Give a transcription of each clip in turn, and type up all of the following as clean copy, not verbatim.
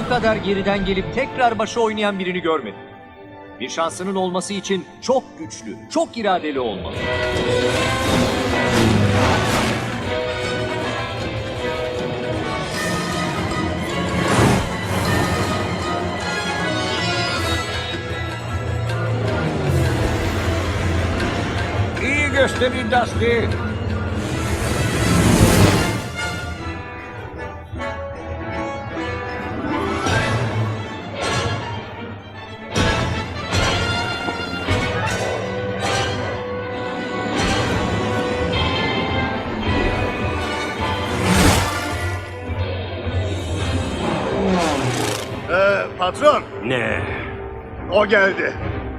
bu kadar geriden gelip tekrar başa oynayan birini görmedim. Bir şansının olması için çok güçlü, çok iradeli olmalı. İyi gösterin Dusty. Patron, Ne? o geldi.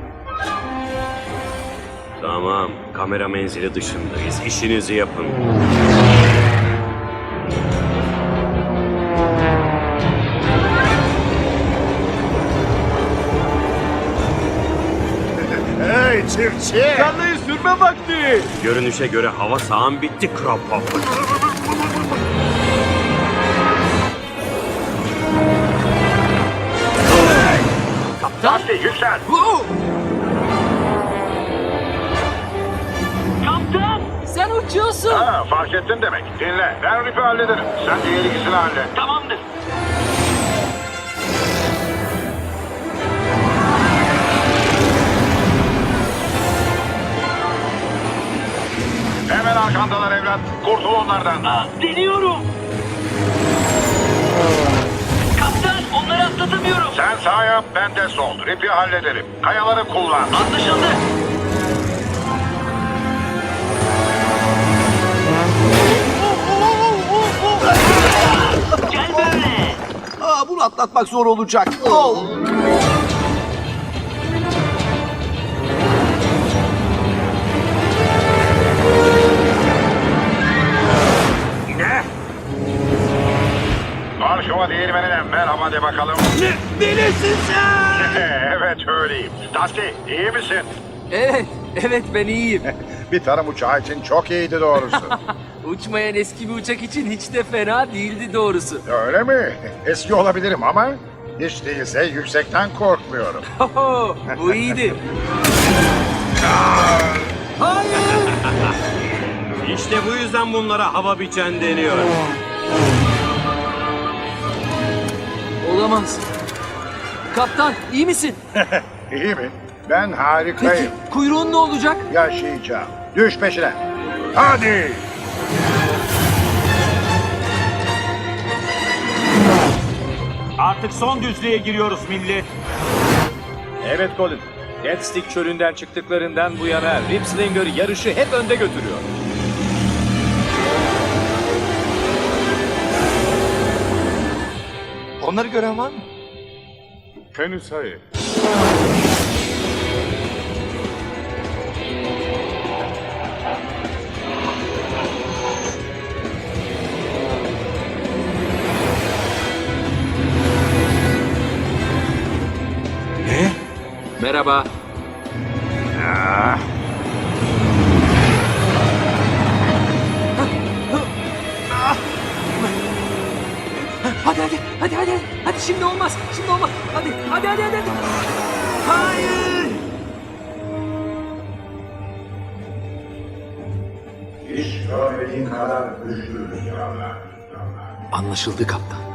Tamam, kamera menzili dışındayız. İşinizi yapın. Hey çiftçi! Tarlayı sürme vakti. Görünüşe göre hava sahan bitti Kropop. Dusty yüksel! Kaptan! Sen uçuyorsun. Ha, fark ettin demek. Dinle, ben Rip'i hallederim. Sen diğer ikisini hallet. Tamamdır. Hemen arkandalar evlat. Kurtul onlardan. Deniyorum. Kaptan, onları atlatamıyorum. Sen sağ yap, ben de sol. Rip'i hallederim. Kayaları kullan. Anlaşıldı. Gel böyle. Bunu atlatmak zor olacak. Ne? Karşıma değirmenine merhaba de bakalım. Delisin sen! Evet öyleyim. Dusty, iyi misin? Evet ben iyiyim. Bir tarım uçağı için çok iyiydi doğrusu. Uçmayan eski bir uçak için hiç de fena değildi doğrusu. Öyle mi? Eski olabilirim ama hiç değilse yüksekten korkmuyorum. Bu iyiydi. İşte bu yüzden bunlara hava biçen deniyor. Olamaz. Kaptan iyi misin? İyi mi? Ben Peki harikayım. kuyruğun ne olacak? Yaşayacağım. Düş peşine. Hadi. Artık son düzlüğe giriyoruz millet. Evet Colin. Deathstick çölünden çıktıklarından bu yana Ripslinger yarışı hep önde götürüyor. Onları gören var mı? Henüz hayır. Merhaba. Hadi şimdi olmaz. Hadi. Hayır. Hiç görmediğin kadar güçlü rüzgarlar. Anlaşıldı kaptan.